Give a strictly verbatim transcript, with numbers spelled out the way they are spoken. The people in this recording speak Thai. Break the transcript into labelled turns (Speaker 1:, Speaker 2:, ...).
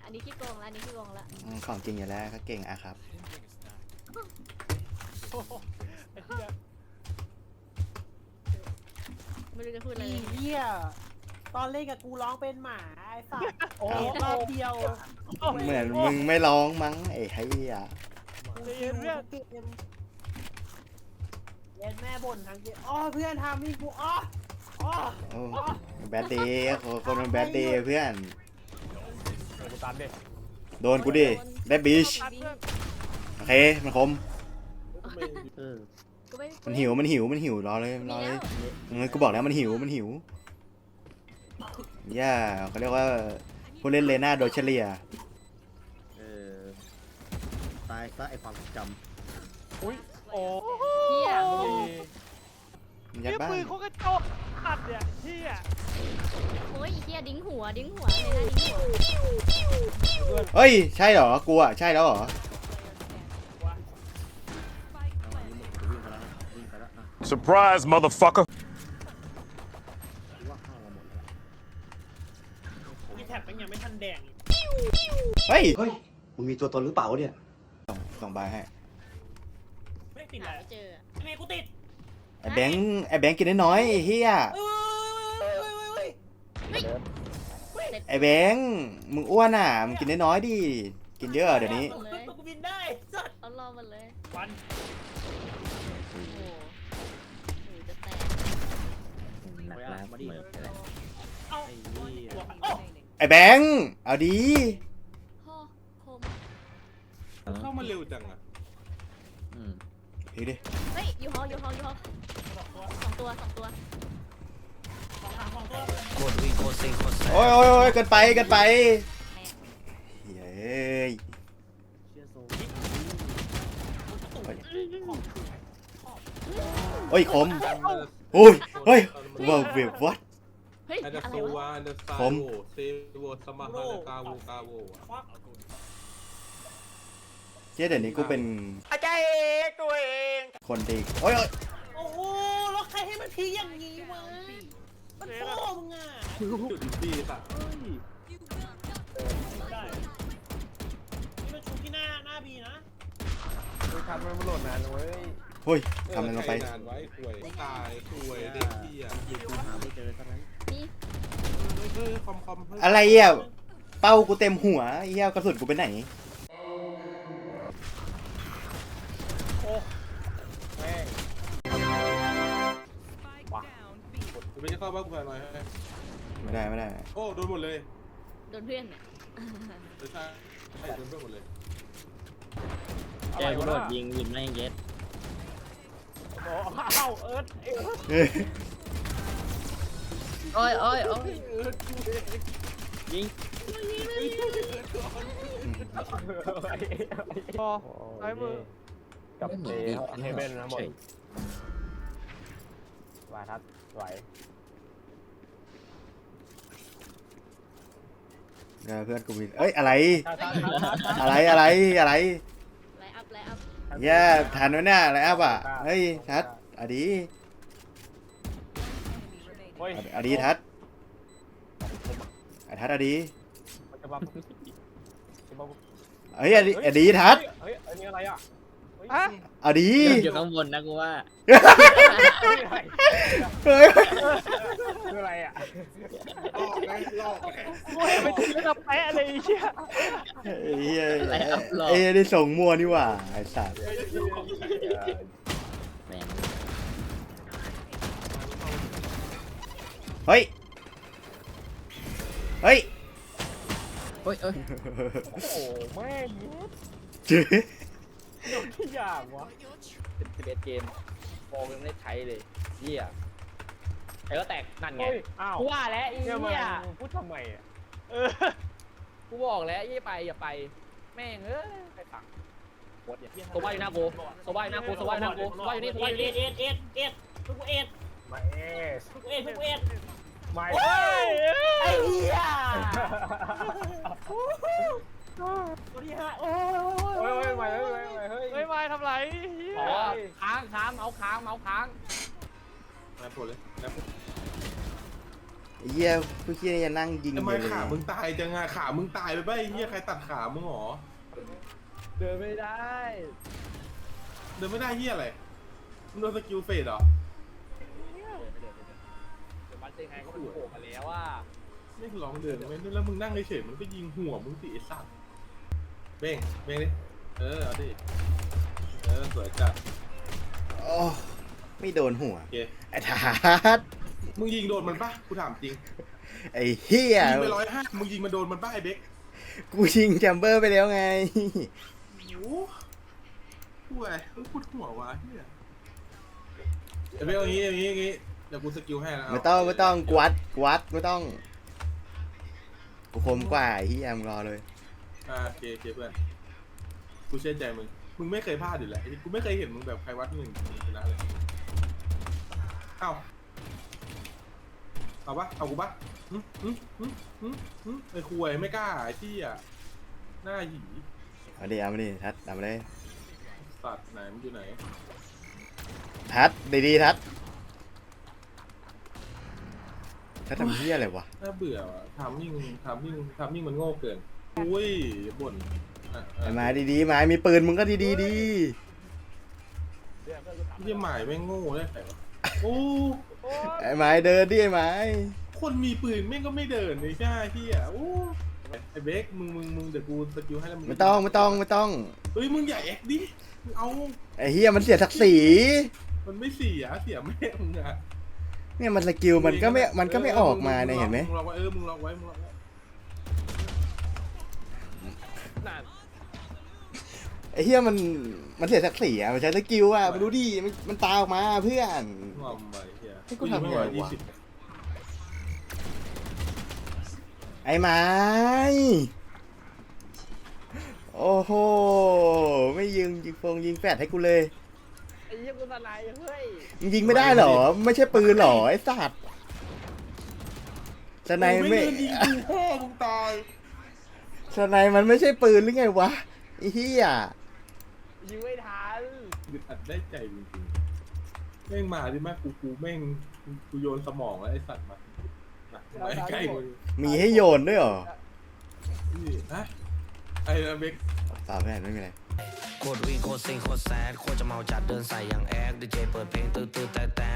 Speaker 1: อันนี้ขี้โกงละอันนี้ขี้โกงละ
Speaker 2: ของจริงอยู่แล้วก็เก่งอะครับ
Speaker 1: ไม่รู้จะพูดอะไร
Speaker 3: อีเหี้ยตอนเล่นกับกูร้องเป็นหมาไอ้สัตว์โอ้รอบเดียว
Speaker 2: เหมือนมึงไม่ร้องมั้งไอ้ไอ้เหี้ย
Speaker 3: กูคิวทุกเกมเล่นแม่บ่นทั้งเกมอ๋อเพื่อนทำให้กูอ๋ออ๋อ
Speaker 2: โอ้แบดเดย์คนมันแบดเดย์เพื่อนโดนกูดิได้บีชโอเคมันคมมันหิวมันหิวมันหิวรอเลยรอเลยงั้นกูบอกแล้วมันหิวมันหิวย่าเขาเรียกว่าผู้เล่นเลน่าโดยเฉลี่ย
Speaker 4: เออตายซะไอความทรงจำ
Speaker 5: อุ้ยโอ้
Speaker 1: เฮีย
Speaker 2: มันยัด
Speaker 5: เนี่ย
Speaker 2: บ้า
Speaker 5: ปื
Speaker 2: น
Speaker 5: นเขากระจกขัดเนี่ยเฮีย
Speaker 1: โอ้ยเฮียดิ้งหัวดิ้งหัวเลยนะดิ้งหัว
Speaker 2: เฮ้ยใช่เหรอกูอะใช่แล้วเหรอ
Speaker 4: เอาอันนี้หมดกูวิ่งไปแล้วนะวิ่งไปแล้วอ่ะ
Speaker 6: Surprise, motherfucker.
Speaker 4: กูว่าเข้ามาหมดแล้ว
Speaker 3: มีแท็บมันยังไม่ทันแดง
Speaker 2: เฮ้ย
Speaker 7: เฮ้ย มึงมีตัวตนหรือเปล่าวะเนี่ย
Speaker 2: ส่งส่งใบให้
Speaker 3: ไม่ติด
Speaker 1: หา
Speaker 3: แล้ว
Speaker 1: ไม่เจอ
Speaker 3: ทำไมกูติด
Speaker 2: ไอ้แบงค์ไอ้แบงค์กินน้อยๆไอ้เฮีย
Speaker 3: เอ้ยเฮ้ยเฮ้ย
Speaker 2: ไอ้แบงค์มึงอ้วนอ่ะมึงกินน้อยๆดิกินเยอะเดี๋ยวนี้
Speaker 3: เฮ้ยกูบินได้สัตว์
Speaker 1: เอารอมันเลย
Speaker 3: วัน
Speaker 1: โอ้โหหูจะแตก
Speaker 4: หนักแล้วมาดิ
Speaker 3: เอ้า
Speaker 4: ไอ้นี่
Speaker 3: โอ้
Speaker 2: ไอ้แบงค์เอาดี
Speaker 1: พ่อคม
Speaker 8: เข้ามาเร็วจังอ่ะ
Speaker 4: อืม
Speaker 2: พี่ดิ
Speaker 1: เฮ้ยยูฮอยูฮอยูฮอสองตัวสองตัว
Speaker 3: ของทางของตัว
Speaker 4: โคตรวิ่งโคตรซิงโคตรแซ่
Speaker 2: โอ้ยโอ้ยโอ้ยเกินไปเกินไปเฮ้ย
Speaker 4: เชี่ยโซ่
Speaker 2: โอ้ยคมโอ้ยเฮ้ยว้าวเว็บวัด
Speaker 1: เฮ้ย
Speaker 8: อันเดอ
Speaker 1: อะ
Speaker 8: ร์
Speaker 1: ไร
Speaker 8: โซ
Speaker 1: วะ
Speaker 8: วาอันเดอร์ซา
Speaker 2: ผม
Speaker 8: โวเซโวสมาฮานาคาโวกาโวอะ
Speaker 3: ฟัก
Speaker 2: เจ๊เดี๋ยวนี้กูเป็น
Speaker 5: อาจารย์เองตัวเอง
Speaker 2: คนดีโอ้ยโอ้ย
Speaker 3: โอ้โหแล้วใครให้มันพีอย่างนี้วะมันพ่อมึงอ่ะ
Speaker 8: จุดดีสัตว์
Speaker 3: ได้นี่มันชูที่หน้าหน้าบีนะ
Speaker 5: คือทำมันมันหล่นนานเว้ย
Speaker 2: เฮ้ยทำอะไรลงไป
Speaker 8: นานไว้ป่วยตายป่วยเด็กที่อ่ะ
Speaker 4: ยิงกูหาไม่เจอซะงั้น
Speaker 1: นี่
Speaker 8: เฮ้ยคอมคอมเฮ้ย
Speaker 2: อะไรอ่ะเป้ากูเต็มหัวไอ้เหี้ยกระสุนกูไปไหน
Speaker 5: แม่ง
Speaker 8: กูไม่ได้เข้าบ้านกูแพ้หน่อยให้
Speaker 2: ไม่ได้ไม่ได้
Speaker 8: โอ้โดนหมดเลย
Speaker 1: โดนเพื่อนเนี่ย
Speaker 8: ไม่ใช่ใช่โดนเพื่อนหมดเลย
Speaker 5: แกกูโดนยิง
Speaker 4: ยิงไม่เย็ด
Speaker 5: โอ้เอ้าเอิร์ธเอิร์ธ
Speaker 2: เฮ้ย
Speaker 4: โอ้ยโอ้ยโอ้ยยิง
Speaker 5: พอซ้ายมือกับเตะเฮเบนนะหมดวาทัดไหว
Speaker 2: เดี๋ยวเพื่อนกูมีเอ้ยอะไรอะไรอะไรอะไร
Speaker 1: ไลน์อัพไลน์อัพ
Speaker 2: แย่ทันวะเนี่ยอะไรอัพอ่ะเฮ้ยทัดอดี
Speaker 5: โอ้ย
Speaker 2: อดีทัดไอ้ทัดอดี
Speaker 5: จะมาจะมา
Speaker 2: เฮ้ยอดีอดีทัด
Speaker 5: เฮ้ยอันนี้อะไรอ่ะ
Speaker 2: อดี
Speaker 4: อยู่ข้างบนนะกูว่า
Speaker 2: เฮ้ย
Speaker 5: คืออะไรอ่ะ
Speaker 8: ลอกนะลอกแหม
Speaker 5: โอ้ยไปถึงระดับแปะเลยไอ้เชี่ย
Speaker 2: ไอ้เหี้ยไอ้เหี้ยได้ส่งมัวนี่หว่าไอ้สัตว์
Speaker 4: แม่ง
Speaker 2: เฮ้ยเฮ้ย
Speaker 4: โอ้ยโอ้ย
Speaker 5: โอ้โหแม่ง
Speaker 2: เจ๊
Speaker 5: ที่อย่างวะ
Speaker 9: สิบเอ็ดเกมโมยังไม่ได้ใช้เลยเหี้ยไอ้ก็แตกนั่นไง
Speaker 5: เฮ้ยอ้าว
Speaker 9: กูว่าแล้วไอ้
Speaker 5: เนี่ยมา
Speaker 9: เหี้ย
Speaker 5: พูดทำไมอ่ะ
Speaker 9: เออกูบอกแล้วยี่ไปอย่าไปแม่งเอ้ยใครฟังโคตรเนี่ยโซบ้าอยู่หน้ากูโซบ้าอยู่หน้ากูโซบ้าอยู่หน้ากูโซบ้าอยู่นี่โซ
Speaker 3: เอ็
Speaker 9: บ้า
Speaker 3: ด
Speaker 9: อยู่
Speaker 3: เอ็
Speaker 9: นี่
Speaker 3: ดเอ็ดเอ็ดเอ็ดทุกเอ็ด
Speaker 5: มาเอส
Speaker 3: ทุกเอ็ดทุกเอ็ด
Speaker 5: ไม่
Speaker 3: โอ้ยไอ้เหี้ยตัวที่ห้าโอ้ย
Speaker 5: โอ้ยโอ้ยไม่เฮ้ยไม่เฮ้ย
Speaker 9: เฮ้ยมาทำไรอ๋อค้างค้างเมาส์ค้างเมาส์ค้าง
Speaker 8: แอบผลเลยแอบ
Speaker 2: ไอ้เหี้ยผู้เหี้ยนี่จะนั่งยิง
Speaker 8: ทำไม
Speaker 2: เลย
Speaker 8: ขามึงตายจังอะขามึงตายไปป่ะไอ้เหี้ยใครตัดขามึงหรอ
Speaker 9: เดินไม่ได้
Speaker 8: เดินไม่ได้เหี้ยอะไรมึงโดนสกิลเฟดเหรอ
Speaker 9: เดินไม่เดินไม่เดินเดี๋ยวมันจะยังไงก็มันโผล่มาแล้วว่า
Speaker 8: ไม่ลองเดินไม่แล้วมึงนั่งเฉยๆมันก็ยิงหัวมึงสิไอ้สัตว์เบ้งเบ้งดิเออเอาดิเออสวยจัด
Speaker 2: โอ้ไม่โดนหัว
Speaker 8: โอเค
Speaker 2: ไอ้ทัด
Speaker 8: มึงยิงโดนมันป่ะกูถามจริง
Speaker 2: ไอ้เหี้ย
Speaker 8: ยิงไปร้อยห้ามึงยิงมันโดนมันป่ะไอ้เบ๊ก
Speaker 2: กูยิงแชมเบอร์ไปแล้วไง
Speaker 8: โอ้ห่วยเฮ้ยพูดหัววะเฮียเดี๋ยวเบ๊กเอางี้เอางี้เอางี้เดี๋ยวกูสกิลให้นะ
Speaker 2: ไม่ต้องไม่ต้องกวัดกวัดไม่ต้องกูคมกว่าไอ้เหี้ยมึงรอเลย
Speaker 8: อ่าโอเคโอเคเพื่อนกูเชื่อใจมึงมึงไม่เคยพลาดอยู่แล้วกูไม่เคยเห็นมึงแบบใครวัดหนึ่งชนะเลยเอ้าเอาปะเอากูปะหึหึหึหึหึไอ้คุยไม่กล้าไอ้ที่อ่ะหน้าหยี
Speaker 2: เอาดิเอามาดิทัดเอามาเลย
Speaker 8: สัตว์ไหนมันอยู่ไหน
Speaker 2: ทัดดีๆทัดทัดทำเหี้ยอะไรวะ
Speaker 8: น่าเบื่อว่ะทำยิ่งทำยิ่งทำยิ่งมันโง่เกินอุ้ยอย่าบ่นอ่ะ
Speaker 2: ไอ้
Speaker 8: อ่ะ
Speaker 2: ไม้ดีๆไม้มีปืนมึงก็ดีๆดี
Speaker 9: เดี๋ยวเพื่อนกูถาม
Speaker 8: เยี่ยหมายแม่งโง่ได้ไงวะโอ้
Speaker 9: โอ๊ย
Speaker 2: ไอ้ไม้เดินดิไอ้ไม้
Speaker 8: คนมีปืนแม่งก็ไม่เดินเลยใช่ที่อ่ะโอ้ไอ้เบคมึงมึงมึงเดี๋ยวกูสกิลให้แล้วมึง
Speaker 2: ไม่ต้องไม่ต้องไม่ต้อง
Speaker 8: เฮ้ยมึงอย่าแอคดิมึงเอา
Speaker 2: ไอ้เหี้ยมันเสียศักดิ์ศรี
Speaker 8: มันไม่เสียเสียแม่มึงอ่ะ
Speaker 2: เนี่ยมันสกิลมันก็ไม่มันก็ไม่ออกมาเนี่ยเห็นไหม
Speaker 8: มึงลองไว้เออมึงลองไว้มึงลองไว้
Speaker 9: นั่น
Speaker 2: ไอ้เหี้ยมันมันเสียศักดิ์ศรีอะมันใช้สกิลอะมันรู้ดิมันมันตาออกมาเพื่อน
Speaker 8: งอมไปเฮีย
Speaker 2: ให้กูทำไงวะ
Speaker 8: ยี่สิบ
Speaker 2: ไอ้ไม้โอ้โหไม่ยิงยิงฟงยิงแฟดให้กูเลย
Speaker 9: ไอ้เหี้ยกูสไนด์เฮ้ย
Speaker 2: มึงยิงไม่ได้เหรอไม่ใช่ปืนเหรอไอ้สัตว์สไน
Speaker 8: มึง
Speaker 2: ไม่
Speaker 8: ไม่เดินยิงกูพ่อมึงตาย
Speaker 2: สไนมันไม่ใช่ปืนหรือไงวะไอ้เหี้ย
Speaker 9: ยิงไม่ทัน
Speaker 8: อึดอัดได้ใจจริงๆแม่งมาดิมากกูกูแม่งกูโยนสมองแล้วไอ้สัตว์มามามาใกล้มึง
Speaker 2: มีให้โยนด้วยเหรอ
Speaker 8: นี่ฮะไอ้เบค
Speaker 2: ตอบไม่ได้ไม่มีอะไร
Speaker 6: โคตรวิ่งโคตรซิงโคตรแซดโคตรจะเมาจัดเดินใส่อย่างแอคดีเจเปิดเพลงตื้อตื้อแต่แต่